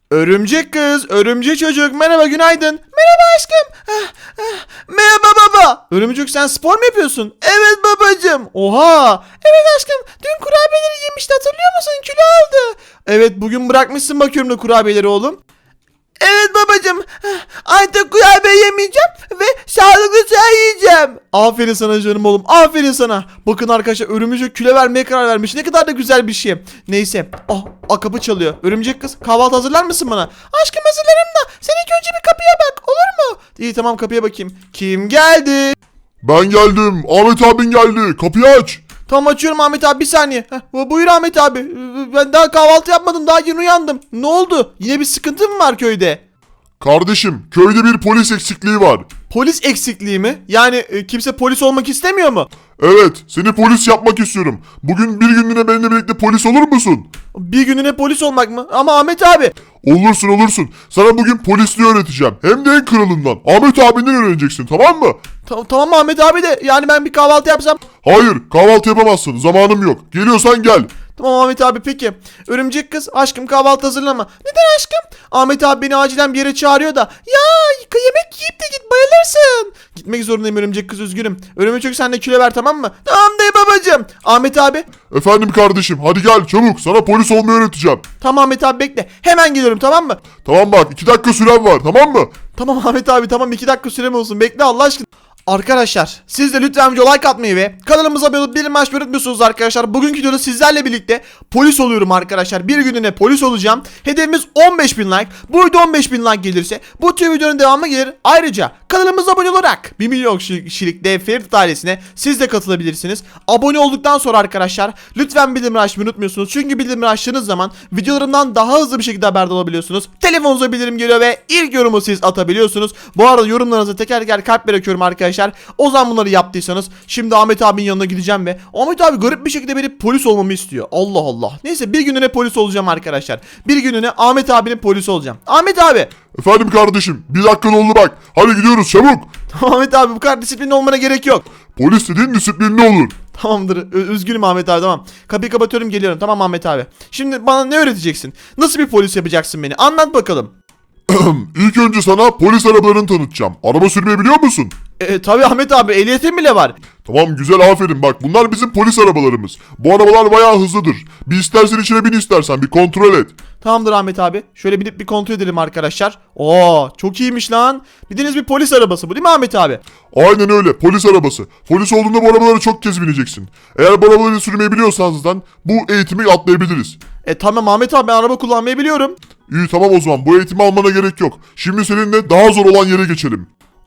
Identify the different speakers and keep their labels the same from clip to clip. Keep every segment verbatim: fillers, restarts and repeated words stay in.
Speaker 1: Örümcek kız, örümcek çocuk, merhaba, günaydın. Merhaba aşkım. Ah, ah. Merhaba baba. Örümcek, sen spor mu yapıyorsun? Evet babacığım. Oha. Evet aşkım, dün kurabiyeleri yemişti, hatırlıyor musun? Kilo aldı. Evet, bugün bırakmışsın bakıyorum da kurabiyeleri oğlum. Evet babacığım, artık kurabiye yemeyeceğim ve sağlıklı çay yiyeceğim. Aferin sana canım oğlum, aferin sana. Bakın arkadaşlar, örümcek kilo vermeye karar vermiş. Ne kadar da güzel bir şey. Neyse, oh, a, kapı çalıyor. Örümcek kız, kahvaltı hazırlar mısın bana? Aşkım hazırlarım da sen ilk önce bir kapıya bak, olur mu? İyi, tamam, kapıya bakayım. Kim geldi?
Speaker 2: Ben geldim. Ahmet abin geldi. Kapıyı aç.
Speaker 1: Tamam, açıyorum Ahmet abi, bir saniye. Heh, buyur Ahmet abi. Ben daha kahvaltı yapmadım, daha yeni uyandım. Ne oldu? Yine bir sıkıntı mı var köyde?
Speaker 2: Kardeşim, köyde bir polis eksikliği var.
Speaker 1: Polis eksikliği mi? Yani e, kimse polis olmak istemiyor mu?
Speaker 2: Evet, seni polis yapmak istiyorum. Bugün bir günlüğüne benimle birlikte polis olur musun?
Speaker 1: Bir gününe polis olmak mı? Ama Ahmet abi.
Speaker 2: Olursun olursun. Sana bugün polisliği öğreteceğim. Hem de en kralından. Ahmet abinden öğreneceksin, tamam mı?
Speaker 1: Ta- tamam Ahmet abi de, yani ben bir kahvaltı yapsam.
Speaker 2: Hayır, kahvaltı yapamazsın. Zamanım yok. Geliyorsan gel.
Speaker 1: Tamam Ahmet abi, peki. Örümcek kız, aşkım kahvaltı hazırlama. Neden aşkım? Ahmet abi beni acilen bir yere çağırıyor da. Ya yemek yiyip de git, bayılırsın. Gitmek zorundayım örümcek kız, üzgünüm. Örümcek, sen de kilo ver, tamam mı? Tamam dayı babacığım. Ahmet abi.
Speaker 2: Efendim kardeşim, hadi gel çabuk. Sana polis olmayı öğreteceğim.
Speaker 1: Tamam Ahmet abi, bekle. Hemen geliyorum, tamam mı?
Speaker 2: Tamam bak, iki dakika süren var, tamam mı?
Speaker 1: Tamam Ahmet abi, tamam, iki dakika sürem olsun. Bekle Allah aşkına. Arkadaşlar, siz de lütfen video like atmayı ve kanalımıza abone olup bildirim açmayı unutmuyorsunuz arkadaşlar. Bugünkü videoda sizlerle birlikte polis oluyorum arkadaşlar. Bir gününe polis olacağım. Hedefimiz on beş bin like. Bu video on beş bin like gelirse bu tür videonun devamı gelir. Ayrıca kanalımıza abone olarak bir milyon kişilik dev Ferit ailesine siz de katılabilirsiniz. Abone olduktan sonra arkadaşlar lütfen bildirim açmayı unutmuyorsunuz. Çünkü bildirim açtığınız zaman videolarımdan daha hızlı bir şekilde haberdar olabiliyorsunuz. Telefonunuza bildirim geliyor ve ilk yorumu siz atabiliyorsunuz. Bu arada yorumlarınıza teker teker kalp bırakıyorum arkadaşlar. O zaman bunları yaptıysanız şimdi Ahmet abinin yanına gideceğim ve Ahmet abi garip bir şekilde beni polis olmamı istiyor. Allah Allah. Neyse, bir gününe polis olacağım arkadaşlar. Bir gününe Ahmet abinin polisi olacağım. Ahmet abi.
Speaker 2: Efendim kardeşim, bir dakika oldu bak. Hadi gidiyoruz çabuk.
Speaker 1: Ahmet abi, bu kadar disiplinli olmana gerek yok.
Speaker 2: Polis dediğin disiplinli olur.
Speaker 1: Tamamdır. Ö- üzgünüm Ahmet abi, tamam. Kapıyı kapatıyorum, geliyorum. Tamam Ahmet abi. Şimdi bana ne öğreteceksin? Nasıl bir polis yapacaksın beni? Anlat bakalım.
Speaker 2: İlk önce sana polis arabalarını tanıtacağım. Araba sürmeyi biliyor musun?
Speaker 1: E, tabii Ahmet abi, ehliyetim bile var.
Speaker 2: Tamam, güzel, aferin, bak bunlar bizim polis arabalarımız. Bu arabalar bayağı hızlıdır. Bir istersen içine bin, istersen bir kontrol et.
Speaker 1: Tamamdır Ahmet abi. Şöyle binip bir kontrol edelim arkadaşlar. Oo, çok iyiymiş lan. Bildiğiniz bir polis arabası bu, değil mi Ahmet abi?
Speaker 2: Aynen öyle, polis arabası. Polis olduğunda bu arabaları çok kez bineceksin. Eğer bu arabaları sürmeyi biliyorsan zaten bu eğitimi atlayabiliriz.
Speaker 1: E tamam Ahmet abi, ben araba kullanmayı biliyorum.
Speaker 2: İyi, tamam, o zaman bu eğitimi almana gerek yok. Şimdi seninle daha zor olan yere geçelim.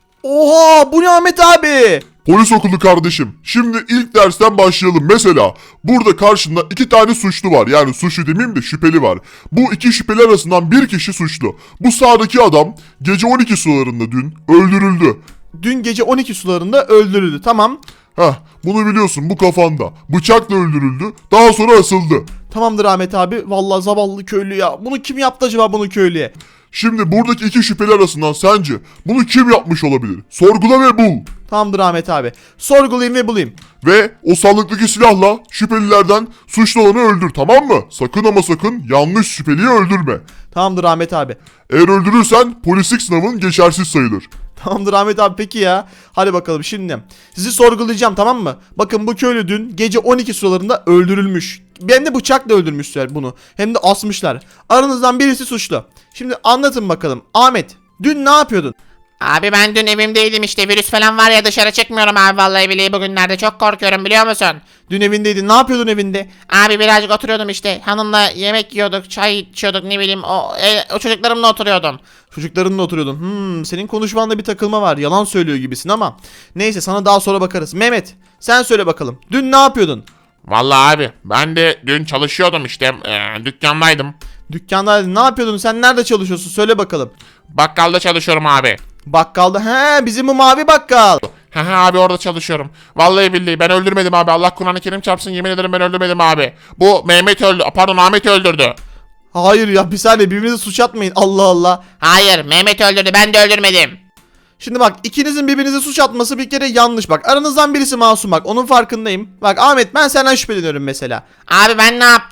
Speaker 1: Oha, bu ne Ahmet abi?
Speaker 2: Polis okulu kardeşim. Şimdi ilk dersten başlayalım. Mesela burada karşında iki tane suçlu var. Yani suçlu demeyeyim de şüpheli var. Bu iki şüpheli arasından bir kişi suçlu. Bu sağdaki adam gece on iki sularında dün öldürüldü.
Speaker 1: Dün gece on iki sularında öldürüldü, tamam.
Speaker 2: Heh, bunu biliyorsun, bu kafanda. Bıçakla öldürüldü. Daha sonra asıldı.
Speaker 1: Tamamdır Ahmet abi. Vallahi zavallı köylü ya. Bunu kim yaptı acaba, bunu köylüye?
Speaker 2: Şimdi buradaki iki şüpheli arasından sence bunu kim yapmış olabilir? Sorgula ve bul.
Speaker 1: Tamamdır Ahmet abi. Sorgulayayım ve bulayım.
Speaker 2: Ve o sandıktaki silahla şüphelilerden suçlu olanı öldür, tamam mı? Sakın ama sakın yanlış şüpheliyi öldürme.
Speaker 1: Tamamdır Ahmet abi.
Speaker 2: Eğer öldürürsen polislik sınavın geçersiz sayılır.
Speaker 1: Tamamdır Ahmet abi, peki ya. Hadi bakalım şimdi. Sizi sorgulayacağım, tamam mı? Bakın, bu köylü dün gece on iki sularında öldürülmüş. Hem de bıçakla öldürmüşler bunu. Hem de asmışlar. Aranızdan birisi suçlu. Şimdi anlatın bakalım. Ahmet, dün ne yapıyordun?
Speaker 3: Abi ben dün evimdeydim işte, virüs falan var ya, dışarı çıkmıyorum abi, vallahi billahi bugünlerde çok korkuyorum, biliyor musun?
Speaker 1: Dün evindeydin. Ne yapıyordun evinde?
Speaker 3: Abi birazcık oturuyordum işte, hanımla yemek yiyorduk, çay içiyorduk, ne bileyim, o, e, o çocuklarımla oturuyordum.
Speaker 1: Çocuklarınla oturuyordun. Hmm, senin konuşmanda bir takılma var. Yalan söylüyor gibisin ama. Neyse, sana daha sonra bakarız. Mehmet, sen söyle bakalım. Dün ne yapıyordun?
Speaker 4: Vallahi abi ben de dün çalışıyordum işte, e, dükkandaydım.
Speaker 1: Dükkandaydın. Ne yapıyordun? Sen nerede çalışıyorsun? Söyle bakalım.
Speaker 4: Bakkalda çalışıyorum abi.
Speaker 1: Bakkalda. He, bizim bu mavi bakkal.
Speaker 4: Haha abi, orada çalışıyorum. Vallahi billahi ben öldürmedim abi. Allah Kur'an-ı Kerim çarpsın, yemin ederim ben öldürmedim abi. Bu Mehmet öldü. Pardon, Ahmet öldürdü.
Speaker 1: Hayır ya, bir saniye, birbirinize suç atmayın. Allah Allah.
Speaker 3: Hayır, Mehmet öldürdü, ben de öldürmedim.
Speaker 1: Şimdi bak, ikinizin birbirinize suç atması bir kere yanlış bak. Aranızdan birisi masum bak, onun farkındayım. Bak Ahmet, ben senden şüpheleniyorum mesela.
Speaker 3: Abi ben ne yaptım?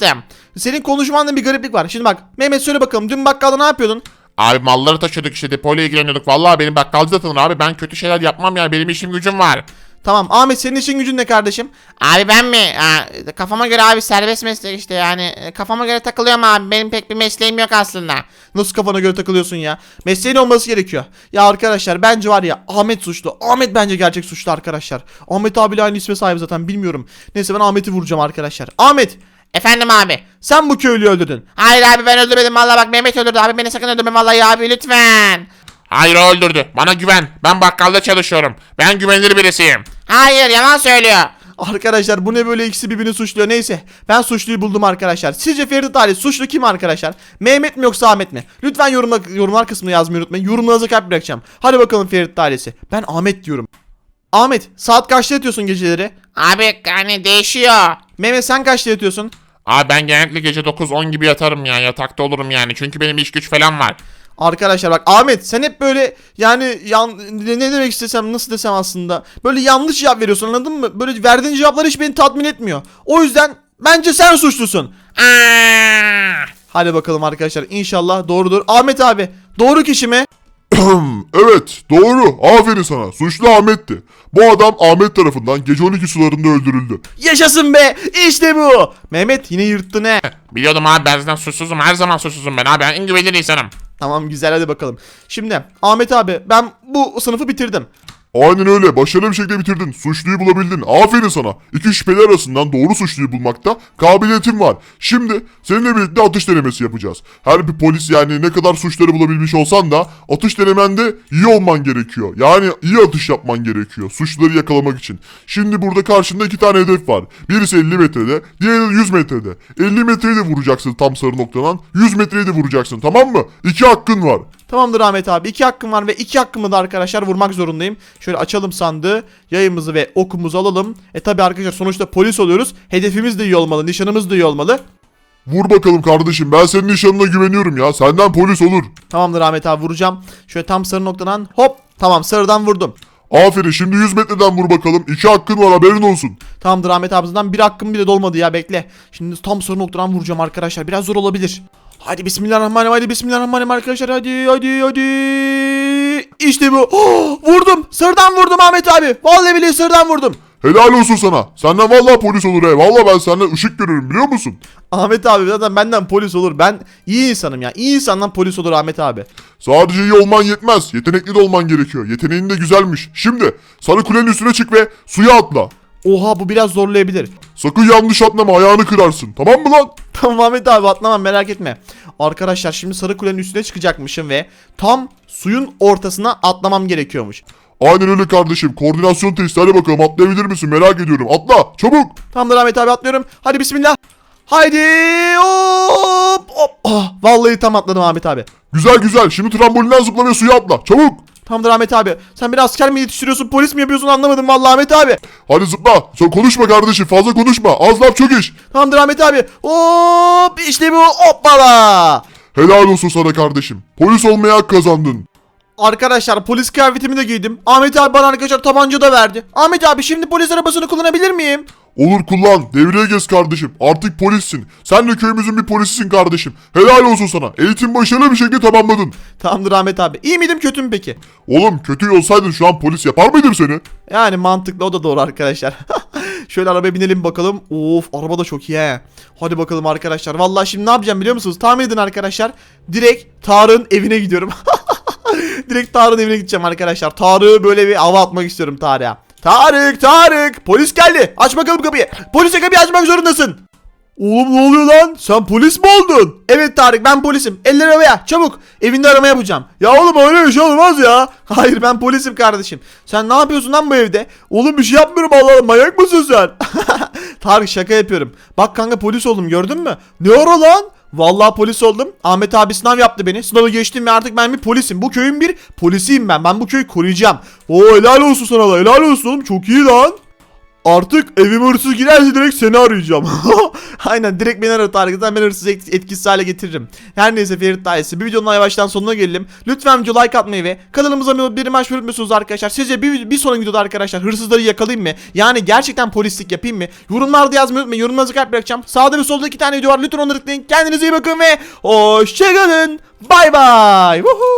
Speaker 1: Senin konuşmanda bir gariplik var. Şimdi bak Mehmet söyle bakalım dün bakkalda ne yapıyordun?
Speaker 4: Abi malları taşıyorduk işte, depoyla ilgileniyorduk. Vallahi benim bakkalcı da tanır abi. Ben kötü şeyler yapmam yani. Benim işim gücüm var.
Speaker 1: Tamam Ahmet senin işin gücün ne kardeşim?
Speaker 3: Abi ben mi? Ha, kafama göre abi serbest meslek işte yani e, kafama göre takılıyorum abi. Benim pek bir mesleğim yok aslında.
Speaker 1: Nasıl kafana göre takılıyorsun ya? Mesleğin olması gerekiyor. Ya arkadaşlar bence var ya Ahmet suçlu. Ahmet bence gerçek suçlu arkadaşlar. Ahmet abiyle aynı isme sahip zaten bilmiyorum. Neyse ben Ahmet'i vuracağım arkadaşlar. Ahmet
Speaker 3: Efendim abi.
Speaker 1: sen bu köylüyü öldürdün.
Speaker 3: Hayır abi ben öldürmedim vallahi, bak Mehmet öldürdü abi, beni sakın öldürme vallahi abi lütfen.
Speaker 4: Hayır, o öldürdü. Bana güven. Ben bakkalda çalışıyorum. Ben güvenilir birisiyim.
Speaker 3: Hayır yalan söylüyor.
Speaker 1: Arkadaşlar bu ne böyle, ikisi birbirini suçluyor. Neyse ben suçluyu buldum arkadaşlar. Sizce Ferit Ali suçlu kim arkadaşlar? Mehmet mi yoksa Ahmet mi? Lütfen yorumla, yorumlar kısmına yazmayı unutmayın. Yorumlarınıza kalp bırakacağım. Hadi bakalım Ferit ailesi. Ben Ahmet diyorum. Ahmet saat kaçta yatıyorsun geceleri?
Speaker 3: Abi hani değişiyor.
Speaker 1: Mehmet sen kaçta yatıyorsun?
Speaker 4: Abi ben genellikle gece dokuz on gibi yatarım ya. Yatakta olurum yani. Çünkü benim iş güç falan var.
Speaker 1: Arkadaşlar bak Ahmet sen hep böyle yani yan, ne ne demek istesem nasıl desem aslında böyle yanlış cevap veriyorsun, anladın mı? Böyle verdiğin cevaplar hiç beni tatmin etmiyor. O yüzden bence sen suçlusun.
Speaker 3: Aa!
Speaker 1: Hadi bakalım arkadaşlar inşallah doğrudur. Ahmet abi doğru kişi mi?
Speaker 2: Evet, doğru. Aferin sana. Suçlu Ahmet'ti. Bu adam Ahmet tarafından gece on iki sularında öldürüldü.
Speaker 1: Yaşasın be, işte bu. Mehmet yine yırttın he.
Speaker 4: Biliyordum abi, ben zaten suçsuzum. Her zaman suçsuzum ben abi. Ben en güvenilir insanım.
Speaker 1: Tamam güzel, hadi bakalım. Şimdi Ahmet abi ben bu sınıfı bitirdim.
Speaker 2: Aynen öyle. Başarılı bir şekilde bitirdin. Suçluyu bulabildin. Aferin sana. İki şüpheli arasından doğru suçluyu bulmakta kabiliyetin var. Şimdi seninle birlikte atış denemesi yapacağız. Her bir polis yani ne kadar suçları bulabilmiş olsan da atış denemende iyi olman gerekiyor. Yani iyi atış yapman gerekiyor. Suçluları yakalamak için. Şimdi burada karşında iki tane hedef var. Birisi elli metrede, diğeri de yüz metrede. elli metreyi de vuracaksın tam sarı noktadan. yüz metreyi de vuracaksın, tamam mı? İki hakkın var.
Speaker 1: Tamamdır Ahmet abi, iki hakkım var ve iki hakkımı da arkadaşlar vurmak zorundayım. Şöyle açalım sandığı, yayımızı ve okumuzu alalım. E tabi arkadaşlar sonuçta polis oluyoruz. Hedefimiz de iyi olmalı, nişanımız da iyi olmalı.
Speaker 2: Vur bakalım kardeşim, ben senin nişanına güveniyorum ya. Senden polis olur.
Speaker 1: Tamamdır Ahmet abi, vuracağım. Şöyle tam sarı noktadan hop, tamam sarıdan vurdum.
Speaker 2: Aferin, şimdi yüz metreden vur bakalım. İki hakkın var, haberin olsun.
Speaker 1: Tamamdır Ahmet abimizden bir hakkım bile dolmadı ya, bekle. Şimdi tam sarı noktadan vuracağım arkadaşlar, biraz zor olabilir. Hadi bismillahirrahmanirrahim, hadi bismillahirrahmanirrahim arkadaşlar, hadi hadi hadi. İşte bu. Oh, vurdum, sırdan vurdum Ahmet abi. Vallahi billahi sırdan vurdum.
Speaker 2: Helal olsun sana. Senden vallahi polis olur he. Vallahi ben senden ışık görürüm, biliyor musun?
Speaker 1: Ahmet abi zaten benden polis olur. Ben iyi insanım ya. İyi insandan polis olur Ahmet abi.
Speaker 2: Sadece iyi olman yetmez. Yetenekli de olman gerekiyor. Yeteneğin de güzelmiş. Şimdi sarı kulenin üstüne çık ve suya atla.
Speaker 1: Oha, bu biraz zorlayabilir.
Speaker 2: Sakın yanlış atlama, ayağını kırarsın. Tamam mı lan?
Speaker 1: Tamam Ahmet abi, atlamam, merak etme. Arkadaşlar şimdi sarı kulenin üstüne çıkacakmışım ve tam suyun ortasına atlamam gerekiyormuş.
Speaker 2: Aynen öyle kardeşim. Koordinasyon testi, hadi bakalım, atlayabilir misin? Merak ediyorum. Atla çabuk.
Speaker 1: Tamamdır Ahmet abi, atlıyorum. Hadi bismillah. Haydi hop hop. Ah, vallahi tam atladım Ahmet abi.
Speaker 2: Güzel güzel. Şimdi trambolinden zıpla ve suya atla. Çabuk.
Speaker 1: Tamamdır Ahmet abi. Sen bir asker mi yetiştiriyorsun, polis mi yapıyorsun, anlamadım vallahi Ahmet abi.
Speaker 2: Hadi zıpla. Sen konuşma kardeşim. Fazla konuşma. Az laf çok iş.
Speaker 1: Tamamdır Ahmet abi. Hop, işte bu, hoppala.
Speaker 2: Helal olsun sana kardeşim. Polis olmaya hak kazandın.
Speaker 1: Arkadaşlar polis kıyafetimi de giydim. Ahmet abi bana arkadaşlar tabanca da verdi. Ahmet abi şimdi polis arabasını kullanabilir miyim?
Speaker 2: Olur, kullan. Devreye gez kardeşim. Artık polissin. Sen de köyümüzün bir polisisin kardeşim. Helal olsun sana. Eğitim başarılı bir şekilde tamamladın.
Speaker 1: Tamamdır Ahmet abi. İyi miydim kötü mü peki?
Speaker 2: Oğlum, kötü olsaydın şu an polis yapar mıydım seni?
Speaker 1: Yani mantıklı, o da doğru arkadaşlar. Şöyle arabaya binelim bakalım. Of, araba da çok iyi he. Hadi bakalım arkadaşlar. Vallahi şimdi ne yapacağım biliyor musunuz? Tahmin edin arkadaşlar. Direkt Tarık'ın evine gidiyorum. Direkt Tarık'ın evine gideceğim arkadaşlar. Tarık'ı böyle bir hava atmak istiyorum Tarık'a. Tarık, Tarık. Polis geldi. Aç bakalım kapıyı. Polise kapıyı açmak zorundasın. Oğlum ne oluyor lan? Sen polis mi oldun? Evet Tarık, ben polisim. Eller havaya çabuk. Evinde arama yapacağım. Ya oğlum öyle bir şey olmaz ya. Hayır, ben polisim kardeşim. Sen ne yapıyorsun lan bu evde? Oğlum bir şey yapmıyorum, Allah Allah, manyak mısın sen? Tarık şaka yapıyorum. Bak kanka, polis oldum, gördün mü? Ne ara lan? Vallahi polis oldum. Ahmet abi sınav yaptı beni. Sınavı geçtim ve artık ben bir polisim. Bu köyün bir polisiyim ben. Ben bu köyü koruyacağım. Oo, helal olsun sana da. Helal olsun oğlum. Çok iyi lan. Artık evime hırsız girerse direkt seni arayacağım. Aynen, direkt beni arar Tarık. Ben hırsız et- etkisiz hale getiririm. Her neyse Ferit ailesi, bir videonun yavaştan sonuna gelelim. Lütfen video like atmayı ve kanalımıza abone olup bir maç unutmuyorsunuz arkadaşlar. Sizce bir, bir sonraki videoda arkadaşlar hırsızları yakalayayım mı? Yani gerçekten polislik yapayım mı? Yorumlarda yazmayı unutmayın. Yorumlarınızı kalp bırakacağım. Sağda ve solda iki tane video var. Lütfen onları tıklayın. Kendinize iyi bakın ve hoşçakalın. Bay bay.